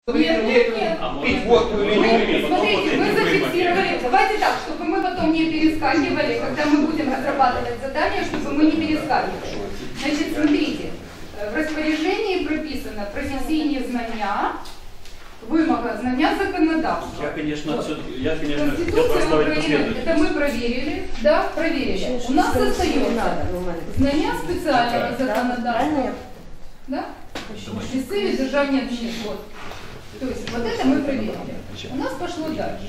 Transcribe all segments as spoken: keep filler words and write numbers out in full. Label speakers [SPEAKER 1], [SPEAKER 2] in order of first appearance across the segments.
[SPEAKER 1] Нет, нет, нет.
[SPEAKER 2] Пить водку или не
[SPEAKER 1] Смотрите, мы зафиксировали. Давайте так, чтобы мы потом не перескакивали, когда мы будем разрабатывать задания, чтобы мы не перескакивали. Значит, смотрите, в распоряжении прописано професійні знання, вымога знання законодавства.
[SPEAKER 3] Я, конечно, отсюда, я, конечно, хотел
[SPEAKER 1] Конституция
[SPEAKER 3] поставить
[SPEAKER 1] Украины,
[SPEAKER 3] последовательность.
[SPEAKER 1] это мы проверили, да, проверили. У нас остается знання специального законодавства, да, місцеві державні адміністрації. Вот. То есть вот это мы проверили. У нас пошло дальше.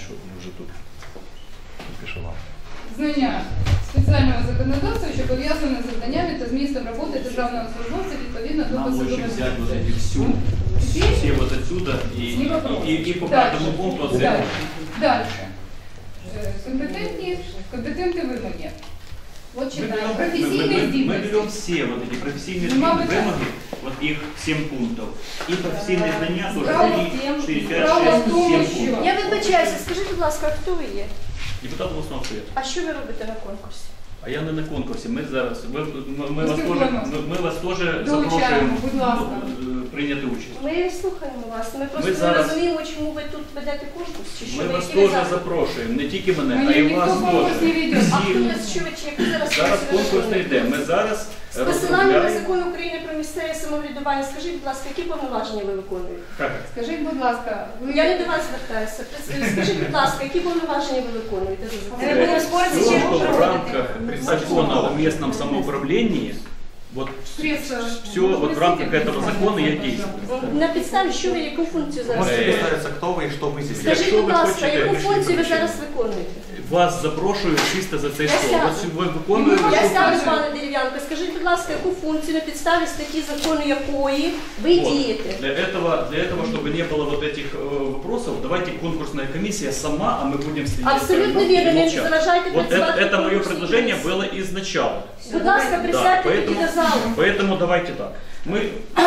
[SPEAKER 1] Знання спеціального законодавства, що пов'язане з завданнями та змістом роботи державного службовця відповідно до
[SPEAKER 3] Нам лучше
[SPEAKER 1] посадових
[SPEAKER 3] взять вот
[SPEAKER 1] інструкцій.
[SPEAKER 3] эти всю, все вот отсюда и, и, и, и по каждому пункту оценивать.
[SPEAKER 1] Дальше. Е, Компетентні, компетентні вимоги. Вот
[SPEAKER 3] Мы
[SPEAKER 1] читаем.
[SPEAKER 3] берем, мы, мы,
[SPEAKER 1] Професійні
[SPEAKER 3] мы, мы
[SPEAKER 1] здібності.
[SPEAKER 3] берем все вот эти профессийные
[SPEAKER 1] Ну, мабуть,
[SPEAKER 3] вымоги, вот их семь пунктов, и профессийные знания тоже
[SPEAKER 1] Справа в
[SPEAKER 3] три,
[SPEAKER 1] тем-
[SPEAKER 3] четыре, пять,
[SPEAKER 1] справа в
[SPEAKER 3] шесть,
[SPEAKER 1] тому,
[SPEAKER 3] семь
[SPEAKER 1] що-
[SPEAKER 3] пунктов.
[SPEAKER 4] Я вибачаюся, скажіть, будь ласка, хто ви є?
[SPEAKER 3] Депутат областного совета.
[SPEAKER 4] А що ви робите на конкурсі?
[SPEAKER 3] А я не на конкурсі. Ми зараз ми, ми, ми,
[SPEAKER 1] Ми
[SPEAKER 3] вас, теж,
[SPEAKER 1] спілкуємося.
[SPEAKER 3] ми, ми вас теж
[SPEAKER 1] Долучаємо,
[SPEAKER 3] запрошуємо
[SPEAKER 1] будь ласка.
[SPEAKER 3] е, прийняти участь.
[SPEAKER 4] Ми слухаємо вас. Ми просто
[SPEAKER 3] Ми
[SPEAKER 4] не
[SPEAKER 3] зараз-
[SPEAKER 4] розуміємо, чому ви тут ведете конкурс, чи що
[SPEAKER 3] Ми
[SPEAKER 4] ви,
[SPEAKER 3] вас
[SPEAKER 4] які ви
[SPEAKER 3] теж
[SPEAKER 4] заходи.
[SPEAKER 3] запрошуємо, не тільки мене,
[SPEAKER 1] Мене
[SPEAKER 3] а й
[SPEAKER 1] ніхто
[SPEAKER 3] вас
[SPEAKER 1] конкурс не
[SPEAKER 3] теж.
[SPEAKER 1] веде.
[SPEAKER 4] А хто
[SPEAKER 3] Всі.
[SPEAKER 4] ви, що ви, чи як ви зараз
[SPEAKER 3] Зараз
[SPEAKER 4] працюєте?
[SPEAKER 3] конкурс не йде. Ми зараз
[SPEAKER 4] З посиланням на
[SPEAKER 3] розробляємо.
[SPEAKER 4] закон України про місцеве самоврядування, скажіть, будь ласка, які повноваження ви виконуєте?
[SPEAKER 3] Так.
[SPEAKER 1] Скажіть, будь ласка, ви...
[SPEAKER 4] Я не до вас звертаюся. Скажіть, будь ласка, які повноваження ви виконуєте за законом?
[SPEAKER 5] Ми будемо спорити,
[SPEAKER 3] Все,
[SPEAKER 5] чи
[SPEAKER 3] что в
[SPEAKER 5] проводити.
[SPEAKER 3] рамках закона о местном самоуправлении, вот
[SPEAKER 1] Средства.
[SPEAKER 3] все вот в рамках этого закона я действую.
[SPEAKER 4] На підставі, що ви, яку функцію зараз
[SPEAKER 6] Можете
[SPEAKER 4] виконуєте?
[SPEAKER 6] представиться, кто вы и что вы здесь?
[SPEAKER 4] Скажіть,
[SPEAKER 3] Якщо
[SPEAKER 4] будь
[SPEAKER 3] ви
[SPEAKER 4] ласка,
[SPEAKER 3] хочете,
[SPEAKER 4] яку
[SPEAKER 3] пишіть
[SPEAKER 4] функцію ви
[SPEAKER 3] доручення.
[SPEAKER 4] зараз виконуєте?
[SPEAKER 3] Вас запрошую чисто за цей
[SPEAKER 4] Я
[SPEAKER 3] стол.
[SPEAKER 4] сяду.
[SPEAKER 3] От ви виконуєте.
[SPEAKER 1] Ну,
[SPEAKER 4] Я
[SPEAKER 1] Що
[SPEAKER 4] ставлю,
[SPEAKER 1] скажете?
[SPEAKER 4] пане Дерев'янко, скажіть, будь ласка, яку функцію на підставі статті закону якої ви
[SPEAKER 3] Вот.
[SPEAKER 4] дієте?
[SPEAKER 3] Для этого, для этого, чтобы не было вот этих э, вопросов, давайте конкурсная комиссия сама, а мы будем следить.
[SPEAKER 4] Абсолютно
[SPEAKER 3] за
[SPEAKER 4] вірно, не
[SPEAKER 3] молчать.
[SPEAKER 4] заважайте
[SPEAKER 3] Вот это,
[SPEAKER 4] працювати
[SPEAKER 3] это мое
[SPEAKER 4] конкурсній
[SPEAKER 3] предложение
[SPEAKER 4] комісії.
[SPEAKER 3] было изначально.
[SPEAKER 4] Будь ласка,
[SPEAKER 3] Да,
[SPEAKER 4] присядьте тоді
[SPEAKER 3] поэтому,
[SPEAKER 4] до залу.
[SPEAKER 3] поэтому давайте так. Мы,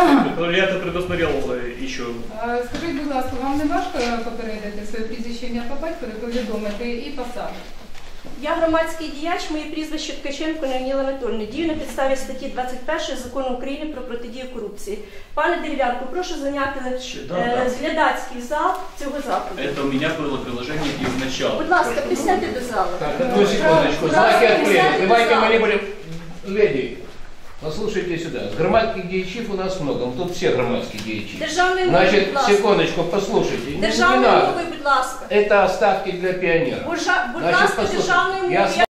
[SPEAKER 3] я это предусмотрел э, еще.
[SPEAKER 1] А, Скажіть, будь ласка, вам не важко попередити своє прізвище, ім'я по батькові, повідомити і посаду?
[SPEAKER 4] Я громадський діяч, моє прізвище Ткаченко Навніла Анатольовна. Дію на підставі статті двадцять першої Закону України про протидію корупції. Пане Дерев'янко, прошу зайняти
[SPEAKER 3] Да,
[SPEAKER 4] е,
[SPEAKER 3] да.
[SPEAKER 4] глядацький зал цього заходу.
[SPEAKER 3] Это у меня было предложение изначально.
[SPEAKER 4] Будь ласка, присядьте до залу.
[SPEAKER 2] Так, одну секундочку. Знаки отклеены. Давайте мы не будем... Леди, послушайте сюда. Громадских дьячів у нас много. Тут все громадские дьячи.
[SPEAKER 4] Державною мовою,
[SPEAKER 2] Значит,
[SPEAKER 4] будь ласка.
[SPEAKER 2] секундочку, послушайте. Не- Не
[SPEAKER 4] Державною
[SPEAKER 2] надо.
[SPEAKER 4] мовою, будь ласка.
[SPEAKER 2] Это оставки для пионеров.
[SPEAKER 4] Будь жа- будь
[SPEAKER 2] Значит,
[SPEAKER 4] ласка,
[SPEAKER 2] послушайте,
[SPEAKER 4] державною
[SPEAKER 2] я
[SPEAKER 4] мовою.